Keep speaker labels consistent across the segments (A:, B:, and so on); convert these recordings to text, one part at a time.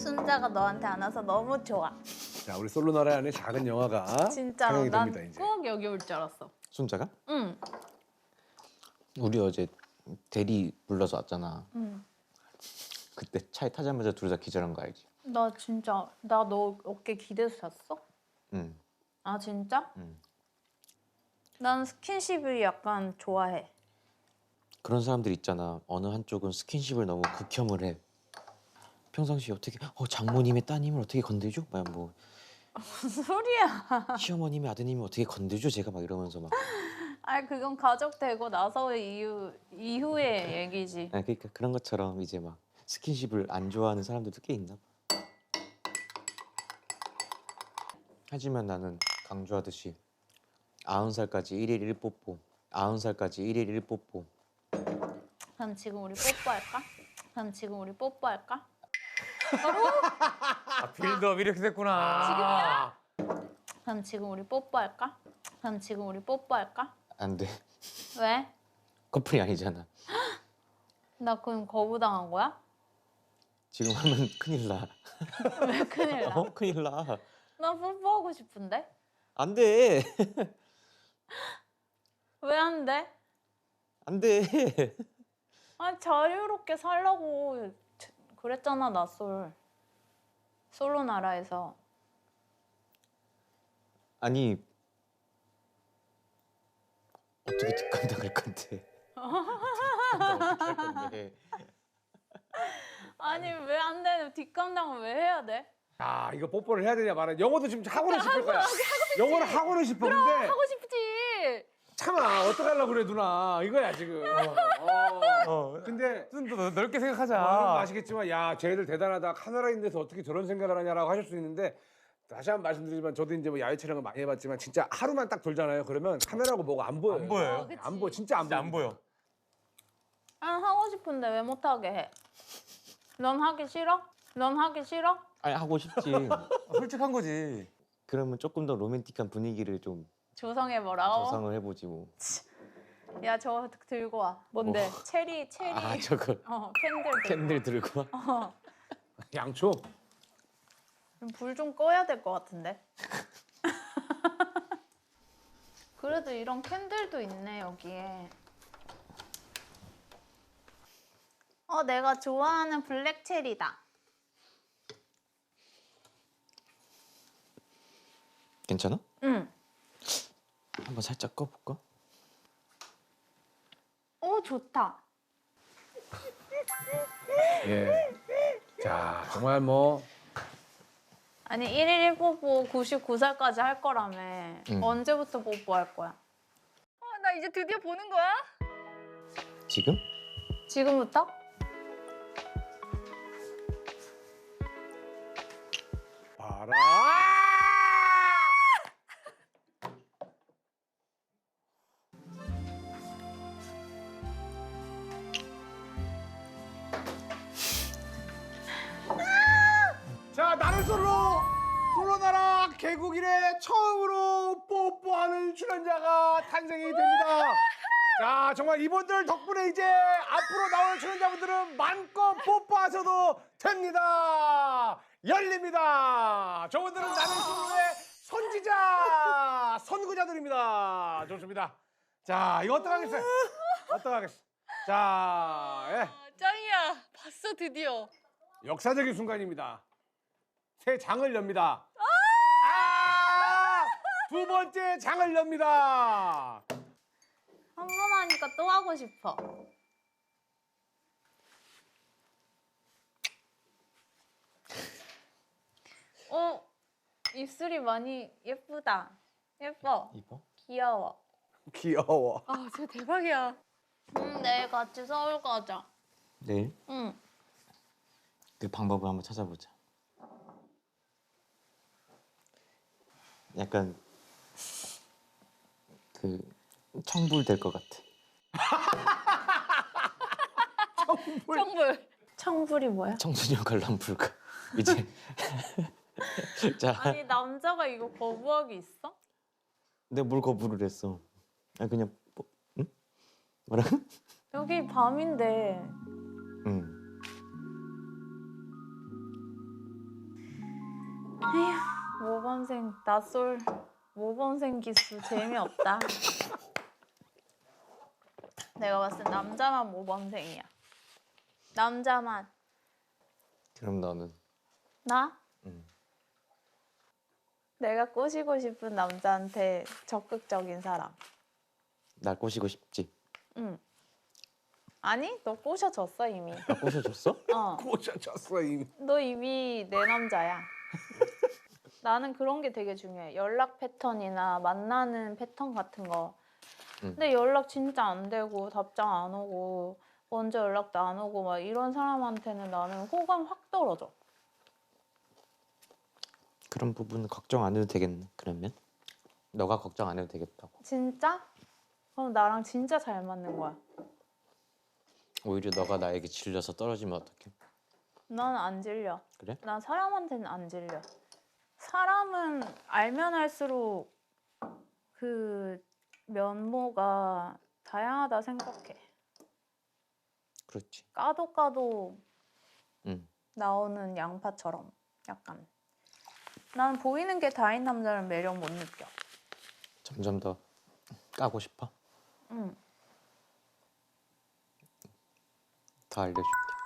A: 순자가 너한테 안 와서 너무 좋아.
B: 자, 우리 솔로 나라의 안에 작은 영화가
A: 진짜로
B: 상영이
A: 난
B: 됩니다, 이제.
A: 꼭 여기 올 줄 알았어.
C: 순자가?
A: 응.
C: 우리 어제 대리 불러서 왔잖아.
A: 응.
C: 그때 차에 타자마자 둘 다 기절한 거 알지?
A: 나 진짜 나 너 어깨 기대서 잤어?
C: 응.
A: 아 진짜?
C: 응.
A: 난 스킨십을 약간 좋아해.
C: 그런 사람들 있잖아. 어느 한쪽은 스킨십을 너무 극혐을 해. 평상시에 어떻게 장모님의 따님을 어떻게 건들죠? 막 뭐
A: 무슨 소리야?
C: 시어머님의 아드님을 어떻게 건들죠? 제가 막 이러면서 막.
A: 아 그건 가족 되고 나서의 이후의 얘기지.
C: 아, 그러니까 그런 것처럼 이제 막 스킨십을 안 좋아하는 사람들도 꽤 있나 봐. 하지만 나는 강조하듯이 90살까지 1일 1뽀뽀 90살까지 1일 1뽀뽀.
A: 그럼 지금 우리 뽀뽀할까? 그럼 지금 우리 뽀뽀할까?
D: 아, 빌드업 이렇게 됐구나.
A: 그럼 지금 우리 뽀뽀할까? 그럼 지금 우리 뽀뽀할까?
C: 안 돼.
A: 왜?
C: 커플이 아니잖아.
A: 나 그럼 거부당한 거야?
C: 지금 하면 큰일 나.
A: 왜 큰일 나?
C: 큰일 나.
A: 나 뽀뽀하고 싶은데?
C: 안 돼.
A: 왜 안 돼?
C: 안 돼.
A: 아 자유롭게 살라고 그랬잖아 나 솔로 나라에서.
C: 아니 어떻게 뒷감당할 건데? 어떻게 할 건데?
A: 아니 왜 안 돼? 뒷감당을 왜 해야 돼?
B: 아, 이거 뽀뽀를 해야 되냐 말아. 영어도 지금 하고는 싶을 거야. 영어를 하고는 싶어. 근데
A: 하고 싶지.
B: 참아. 어떡하려고 그래, 누나. 이거야, 지금. 근데
D: 좀 더 넓게 생각하자.
B: 여러분 아시겠지만 야, 쟤들 대단하다. 카메라 있는 데서 어떻게 저런 생각을 하냐라고 하실 수 있는데 다시 한번 말씀드리지만 저도 이제 뭐 야외 촬영을 많이 해봤지만 진짜 하루만 딱 돌잖아요. 그러면 카메라고 뭐가 안 보여요.
D: 안 보여요.
A: 그치.
B: 안 보여. 진짜 안
D: 진짜
B: 보여.
D: 안 보여.
A: 난 하고 싶은데 왜 못하게 해? 넌 하기 싫어? 넌 하기 싫어?
C: 아니 하고 싶지.
D: 솔직한 거지.
C: 그러면 조금 더 로맨틱한 분위기를 좀
A: 조성해보라고?
C: 조성을 해보지 뭐.
A: 야 저거 들고 와. 뭔데? 체리
C: 아 저거
A: 캔들
C: 캔들 들고 와.
B: 양초.
A: 불 좀 꺼야 될 것 같은데. 그래도 이런 캔들도 있네 여기에. 내가 좋아하는 블랙 체리다.
C: 괜찮아?
A: 응.
C: 한번 살짝 꺼볼까?
A: 좋다.
B: 예. 자, 정말 뭐
A: 아니 1일 1뽀뽀 99살까지 할 거라며. 언제부터 뽀뽀할 거야? 나 이제 드디어 보는 거야?
C: 지금?
A: 지금부터?
B: 봐라. 자, 나는 솔로 나라 개국 이래 처음으로 뽀뽀하는 출연자가 탄생이 됩니다. 자, 정말 이분들 덕분에 이제 앞으로 나올 출연자분들은 마음껏 뽀뽀하셔도 됩니다. 열립니다. 저분들은 나는 솔로의 선지자, 선구자들입니다. 좋습니다. 자, 이거 어떡하겠어요? 어떡하겠어? 자, 예.
A: 짱이야. 봤어 드디어.
B: 역사적인 순간입니다. 새 장을 엽니다. 두 번째 장을 엽니다.
A: 한 번 하니까 또 하고 싶어. 입술이 많이 예쁘다. 예뻐.
C: 이뻐?
A: 귀여워.
B: 귀여워.
A: 아, 진짜 대박이야. 내일 같이 서울 가자.
C: 내일?
A: 응.
C: 그 방법을 한번 찾아보자. 약간 그 청불 될 것 같아.
A: 청불. 청불이 뭐야?
C: 청소년 관람 불가. 이제 자,
A: 아니 남자가 이거 거부하기 있어?
C: 내가 뭘 거부를 했어? 아 그냥 뭐, 응? 뭐라?
A: 여기 밤인데
C: 응.
A: 모범생 낯설 모범생 기수 재미없다. 내가 봤을 때 남자만 모범생이야. 남자만.
C: 그럼 너는?
A: 나?
C: 응.
A: 내가 꼬시고 싶은 남자한테 적극적인 사람.
C: 날 꼬시고 싶지?
A: 응. 아니, 너 꼬셔졌어 이미.
C: 나 꼬셔줬어?
A: 어.
B: 꼬셔졌어 이미.
A: 너 이미 내 남자야. 나는 그런 게 되게 중요해. 연락 패턴이나 만나는 패턴 같은 거. 근데 연락 진짜 안 되고 답장 안 오고 먼저 연락도 안 오고 막 이런 사람한테는 나는 호감 확 떨어져.
C: 그런 부분 걱정 안 해도 되겠네. 그러면 너가 걱정 안 해도 되겠다고.
A: 진짜? 그럼 나랑 진짜 잘 맞는 거야.
C: 오히려 너가 나에게 질려서 떨어지면 어떡해?
A: 난 안 질려.
C: 그래?
A: 난 사람한테는 안 질려. 사람은 알면 할수록 그 면모가 다양하다 생각해.
C: 그렇지.
A: 까도 까도
C: 응.
A: 나오는 양파처럼 약간. 난 보이는 게 다인 남자는 매력 못 느껴.
C: 점점 더 까고 싶어?
A: 응.
C: 더 알려줄게.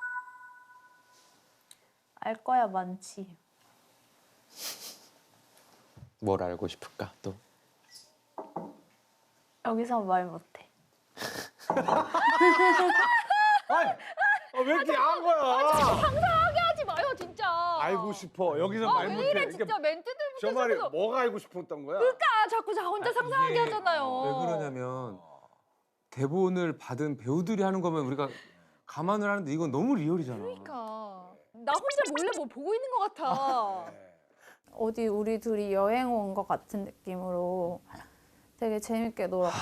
A: 알 거야 많지.
C: 뭘 알고 싶을까 또?
A: 여기서 말 못해.
B: 아니, 왜 이렇게 야한 거야?
E: 상상하게 하지 마요 진짜.
B: 알고 싶어. 여기서 말
E: 왜
B: 못해.
E: 이래
B: 이게
E: 진짜 멘트들부터
B: 저 말이
E: 시작해서.
B: 뭐가 알고 싶었던 거야?
E: 그러니까 자꾸 자 혼자 상상하게
D: 이게
E: 하잖아요.
D: 왜 그러냐면 대본을 받은 배우들이 하는 거면 우리가 감안을 하는데 이건 너무 리얼이잖아.
E: 그러니까 나 혼자 몰래 뭐 보고 있는 것 같아.
A: 어디 우리 둘이 여행 온 것 같은 느낌으로 되게 재밌게 놀았고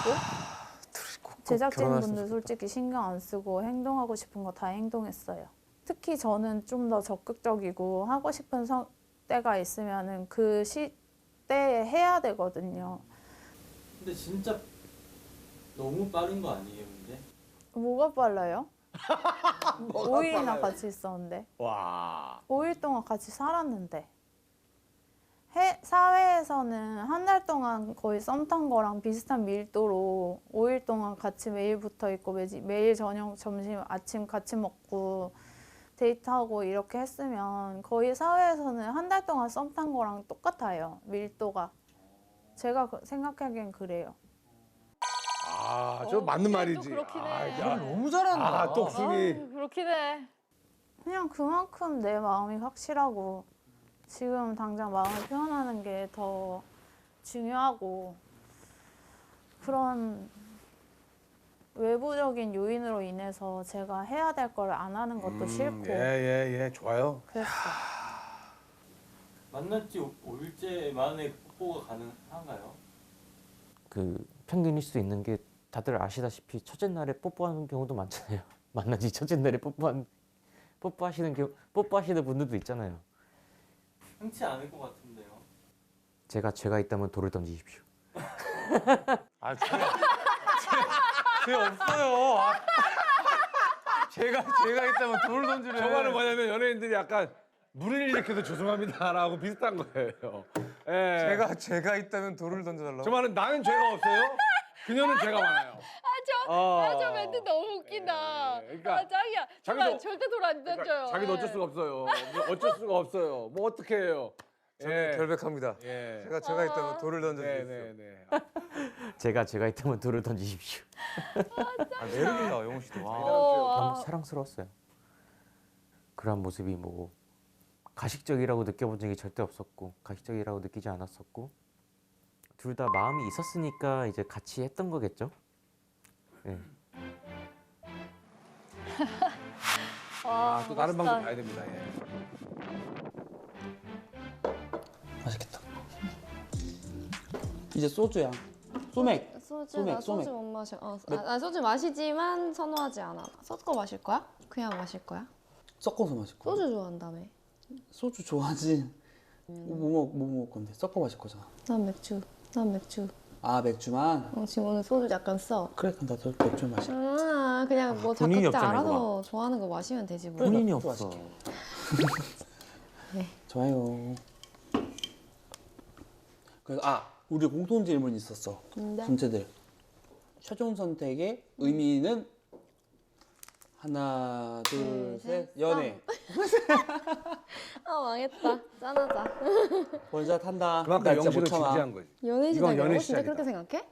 A: 제작진분들 솔직히 신경 안 쓰고 행동하고 싶은 거 다 행동했어요. 특히 저는 좀 더 적극적이고 하고 싶은 때가 있으면은 그 시대에 해야 되거든요.
F: 근데 진짜 너무 빠른 거 아니에요, 근데?
A: 뭐가 빨라요?
B: 뭐가
A: 5일이나
B: 빨라요?
A: 같이 있었는데
B: 와.
A: 5일 동안 같이 살았는데 사회에서는 한 달 동안 거의 썸 탄 거랑 비슷한 밀도로 5일 동안 같이 매일 붙어 있고 매일 저녁, 점심, 아침 같이 먹고 데이트하고 이렇게 했으면 거의 사회에서는 한 달 동안 썸 탄 거랑 똑같아요. 밀도가. 제가 생각하기엔 그래요.
B: 아, 저 맞는 말이지.
E: 그렇긴 해.
B: 아,
D: 야,
B: 야.
D: 너무 잘한다.
B: 아, 똑순이.
E: 그렇긴 해.
A: 그냥 그만큼 내 마음이 확실하고 지금 당장 마음을 표현하는 게 더 중요하고 그런 외부적인 요인으로 인해서 제가 해야 될 걸 안 하는 것도 싫고
B: 예, 좋아요.
A: 그랬어.
F: 만난 지 5일째 만에 뽀뽀가 가능한가요?
C: 그 평균일 수 있는 게 다들 아시다시피 첫째 날에 뽀뽀하는 경우도 많잖아요. 만난 지 첫째 날에 뽀뽀하시는 분들도 있잖아요.
F: 흔치 않을 것 같은데요.
C: 제가 있다면 돌을 던지십시오.
D: 아, 죄 없어요. 아. 제가 있다면 돌을 던지래.
B: 저 말은 뭐냐면 연예인들이 약간 물을 일으켜서 죄송합니다라고 비슷한 거예요. 예.
D: 제가 있다면 돌을 던져달라고.
B: 저 말은 나는 죄가 없어요. 그녀는 죄가 많아요.
E: 저 멘트 너무 웃긴다.
B: 예, 그러니까
E: 아 짱이야.
B: 자기도-
E: 정말 절대 돌 안 던져요.
B: 그러니까 자기도 어쩔 수가 없어요. 어쩔 수가 없어요. 뭐 어떻게 해요?
D: 저는 결백합니다.
B: 예.
D: 제가 있다면 돌을 던져주십시오.
B: 네네네.
C: 제가 있다면 돌을 던지십시오.
D: 아, 매력있다, 영호 씨도. 와.
C: 너무 사랑스러웠어요. 그런 모습이 뭐 가식적이라고 느껴본 적이 절대 없었고 가식적이라고 느끼지 않았었고 둘 다 마음이 있었으니까 이제 같이 했던 거겠죠. 네.
B: 아, 또 다른 방법 가야 됩니다. 예.
G: 맛있겠다. 이제 소주야. 소맥.
H: 소주
G: 소맥,
H: 나 소주
G: 소맥.
H: 못 마셔. 나 소주 마시지만 선호하지 않아. 섞어 마실 거야? 그냥 마실 거야?
G: 섞어서 마실 거야.
H: 소주 좋아한다며.
G: 소주 좋아하지. 뭐 먹을 건데? 섞어 마실 거잖아.
H: 난 맥주.
G: 아, 맥주만?
H: 지금 오늘 소주 약간 써.
G: 그래, 그럼 나도 맥주 마실게.
H: 그냥 뭐
C: 본인이
H: 각자
C: 없잖아,
H: 알아서 좋아하는 거 마시면 되지 뭐.
C: 본인이
G: 나도
C: 없어.
G: 마실게. 좋아요. 그래서 우리 공통 질문이 있었어.
H: 근데
G: 전체들. 최종 선택의 의미는 하나, 둘, 셋. 연애.
H: 망했다. 짠하자.
G: 원샷 한다.
B: 그만큼
G: 나 진짜
B: 영식을
G: 못 참아.
B: 진지한 거지.
H: 연애
B: 이건
H: 시작이라고?
B: 연애
H: 진짜
B: 시작이다.
H: 그렇게 생각해?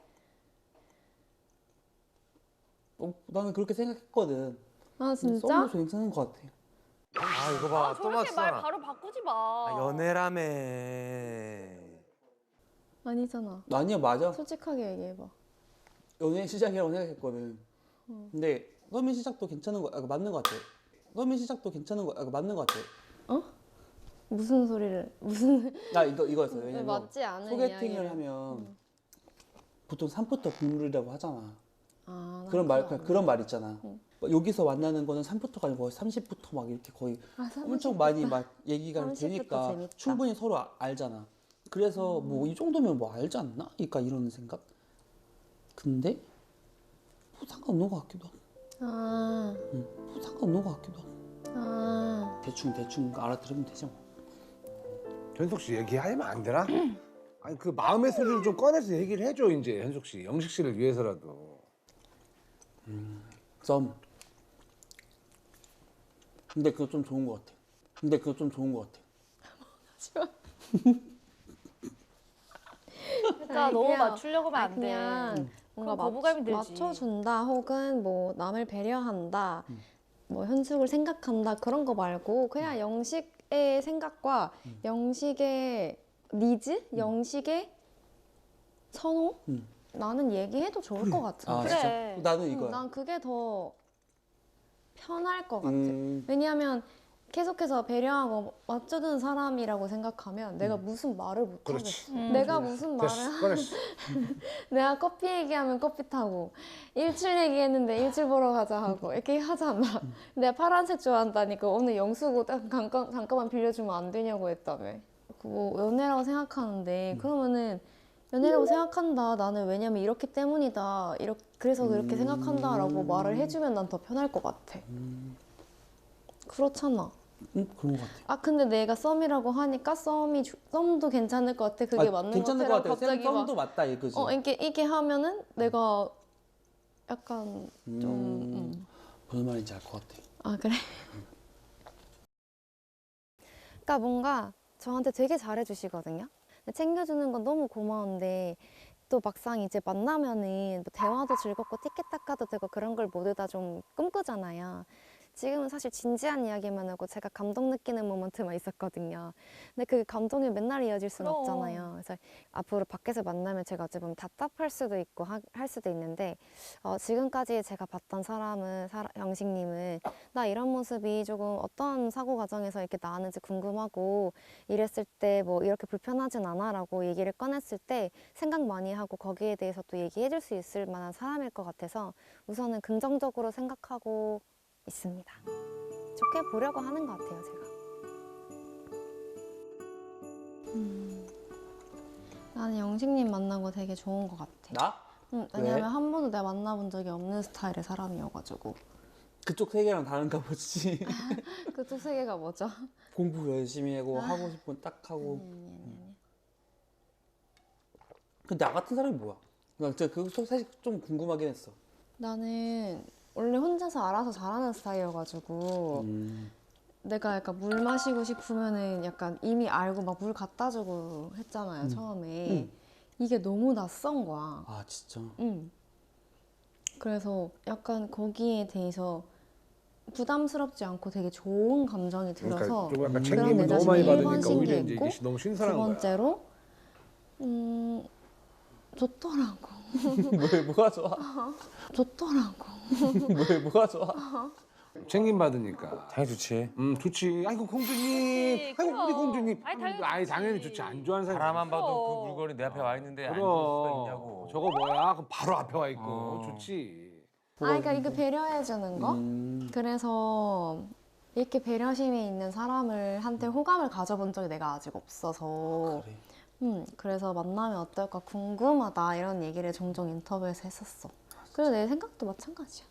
G: 나는 그렇게 생각했거든.
H: 아 진짜?
G: 썸도 괜찮은 것 같아.
D: 이거 봐.
E: 저렇게 말 바로 바꾸지 마.
D: 연애라며.
H: 아니잖아.
G: 아니야, 맞아.
H: 솔직하게 얘기해봐.
G: 연애 시작이라고 생각했거든. 근데 썸의 시작도 괜찮은 거, 맞는 것 같아. 썸의 시작도 괜찮은 거, 맞는 것 같아.
H: 무슨 소리를 무슨
G: 나 이거였어. 왜냐면
H: 맞지 않은
G: 소개팅을
H: 이야기를.
G: 하면 보통 산부터 국룰이라고 하잖아.
H: 난
G: 그런
H: 그거 안
G: 말 있잖아. 막 여기서 만나는 거는 3부터가 아니고 30부터 막 이렇게 거의 엄청 많이 막 얘기가
H: 30부터
G: 되니까
H: 재밌다.
G: 충분히 서로 알잖아. 그래서 뭐 이 정도면 뭐 알지 않나? 그러니까 이런 생각. 근데 뭐 상관없는 것 같기도 하고. 뭐 상관없는 것 같기도 하고. 대충 알아들으면 되지 뭐.
B: 현숙 씨 얘기하면 안 되나? 아니 그 마음의 소리를 좀 꺼내서 얘기를 해줘 이제 현숙 씨, 영식 씨를 위해서라도.
G: 썸. 근데 그거 좀 좋은 것 같아.
E: 그러니까 너무
H: 그냥-
E: 맞추려고 하면 안 돼.
H: 그냥 뭔가
E: 그럼 거부감이 들지.
H: 맞춰준다 혹은 뭐 남을 배려한다 뭐 현숙을 생각한다 그런 거 말고 그냥 영식의 생각과 영식의 니즈, 영식의 선호 나는 얘기해도 좋을 것 같은데.
G: 아
E: 그래.
G: 진짜? 나는 이거야.
H: 난 그게 더 편할 것 같아.
G: 음.
H: 왜냐하면 계속해서 배려하고 맞춰주는 사람이라고 생각하면 내가 무슨 말을 못
B: 그렇지.
H: 하겠어. 내가 무슨 말을
B: 됐어, 꺼냈어.
H: 내가 커피 얘기하면 커피 타고 일출 얘기했는데 일출 보러 가자 하고 이렇게 하잖아. 내가 파란색 좋아한다니까 오늘 영수고 잠깐만 빌려주면 안 되냐고 했다며. 뭐 연애라고 생각하는데 그러면은 연애라고 생각한다. 나는 왜냐면 이렇기 때문이다. 그래서 그렇게 생각한다라고 말을 해주면 난 더 편할 것 같아. 그렇잖아.
G: 그런 것 같아.
H: 근데 내가 썸이라고 하니까 썸도 괜찮을 것 같아. 그게 맞는
G: 괜찮을
H: 것
G: 것
H: 같아.
G: 같아.
H: 갑자기 막
G: 썸도 맞다 이거지.
H: 이게 하면은 내가 약간 좀
G: 무슨 말인지 알 것 같아.
H: 그래? 그러니까 뭔가 저한테 되게 잘해주시거든요. 챙겨주는 건 너무 고마운데 또 막상 이제 만나면은 뭐 대화도 즐겁고 티켓타카도 되고 그런 걸 모두 다 좀 꿈꾸잖아요. 지금은 사실 진지한 이야기만 하고 제가 감동 느끼는 모먼트만 있었거든요. 근데 그 감동이 맨날 이어질 수는
E: 그럼.
H: 없잖아요. 그래서 앞으로 밖에서 만나면 제가 어찌 보면 답답할 수도 있고 할 수도 있는데 지금까지 제가 봤던 사람은 영식님은 나 이런 모습이 조금 어떤 사고 과정에서 이렇게 나왔는지 궁금하고 이랬을 때 뭐 이렇게 불편하진 않아라고 얘기를 꺼냈을 때 생각 많이 하고 거기에 대해서 또 얘기해 줄 수 있을 만한 사람일 것 같아서 우선은 긍정적으로 생각하고 있습니다. 좋게 보려고 하는 것 같아요, 제가. 나는 영식님 만난 거 되게 좋은 것 같아.
G: 나?
H: 왜냐면
G: 왜?
H: 한 번도 내가 만나본 적이 없는 스타일의 사람이어가지고.
G: 그쪽 세계랑 다른가 보지.
H: 그쪽 세계가 뭐죠?
G: 공부 열심히 하고 하고 싶은 딱 하고. 근데 나 같은 사람이 뭐야? 나 진짜 그거 사실 좀 궁금하긴 했어.
H: 나는 원래 혼자서 알아서 잘하는 스타일이어가지고 내가 약간 물 마시고 싶으면은 약간 이미 알고 막 물 갖다 주고 했잖아요, 처음에. 이게 너무 낯선 거야.
G: 아 진짜?
H: 그래서 약간 거기에 대해서 부담스럽지 않고 되게 좋은 감정이
B: 그러니까
H: 들어서
B: 좀 약간
H: 그런
B: 챙김을
H: 내
B: 너무
H: 자신이
B: 많이
H: 1번
B: 받으니까 오히려 이제
H: 신기했고
B: 이게 너무
H: 두
B: 신선한 거야.
H: 번째로 좋더라고.
G: 뭐가 좋아?
H: 좋더라고.
G: 뭐가 좋아?
B: 챙김 받으니까.
D: 당연히 좋지.
B: 좋지. 아이고 공주님. 아이고 우리 공주님.
E: 아니,
B: 당연히
E: 좋지.
B: 좋지. 안 좋아하는 사람이
D: 바라만
B: 어딨어.
D: 봐도 그 물건이 내 앞에 와 있는데 안 줄 수가
B: 그럼
D: 있냐고.
B: 저거 뭐야? 그럼 바로 앞에 와 있고 좋지.
H: 그러니까 이거 배려해주는 거? 그래서 이렇게 배려심이 있는 사람을 한테 호감을 가져본 적이 내가 아직 없어서
G: 그래.
H: 그래서 만나면 어떨까 궁금하다 이런 얘기를 종종 인터뷰에서 했었어. 그래서 내 생각도 마찬가지야.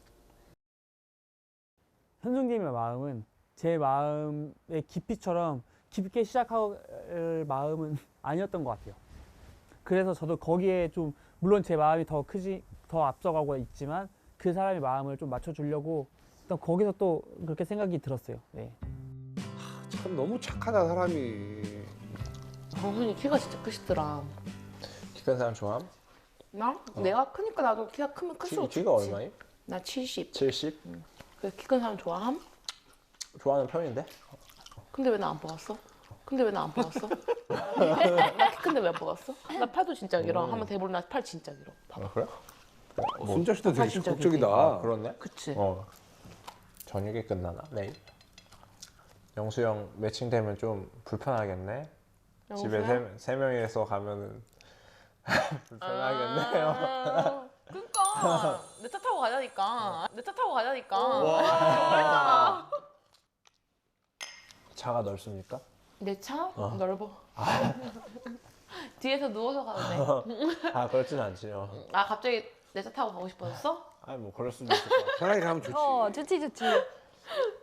I: 현숙님의 마음은 제 마음의 깊이처럼 깊게 시작할 마음은 아니었던 것 같아요. 그래서 저도 거기에 좀 물론 제 마음이 더 앞서가고 있지만 그 사람의 마음을 좀 맞춰주려고 일단 거기서 또 그렇게 생각이 들었어요. 네.
B: 참 너무 착하다 사람이.
J: 정순이 키가 진짜 크시더라.
K: 키 큰 사람 좋아함?
J: 나? 내가 크니까 나도 키가 크면 클수록 좋지.
K: 키가 얼마임?
J: 나 70.
K: 70?
J: 그래서 키 큰 사람 좋아함?
K: 좋아하는 편인데?
J: 근데 왜 나 안 뽑았어? 근데 왜 나 안 뽑았어? 나 키 큰데 왜 안 뽑았어? 나 팔도 진짜 길어. 한번 대보면 나 팔 진짜 길어. 봐봐.
K: 그래?
B: 순자 씨도 되게
J: 진짜
B: 적극적이다.
K: 아, 그렇네?
J: 그치?
K: 저녁에 끝나나? 내일? 영수 형 매칭되면 좀 불편하겠네? 집에 세 명이서 가면은 불편하겠네요.
J: 그러니까 내 차 타고 가자니까. 내 차 타고 가자니까.
K: 차가 넓습니까?
J: 내 차? 넓어. 뒤에서 누워서 가도 돼.
K: 아 그렇진 않지요.
J: 아 갑자기 내 차 타고 가고 싶어졌어?
K: 아니 뭐 그럴 수도 있을 것 같아.
B: 편하게 가면 좋지.
E: 좋지 좋지.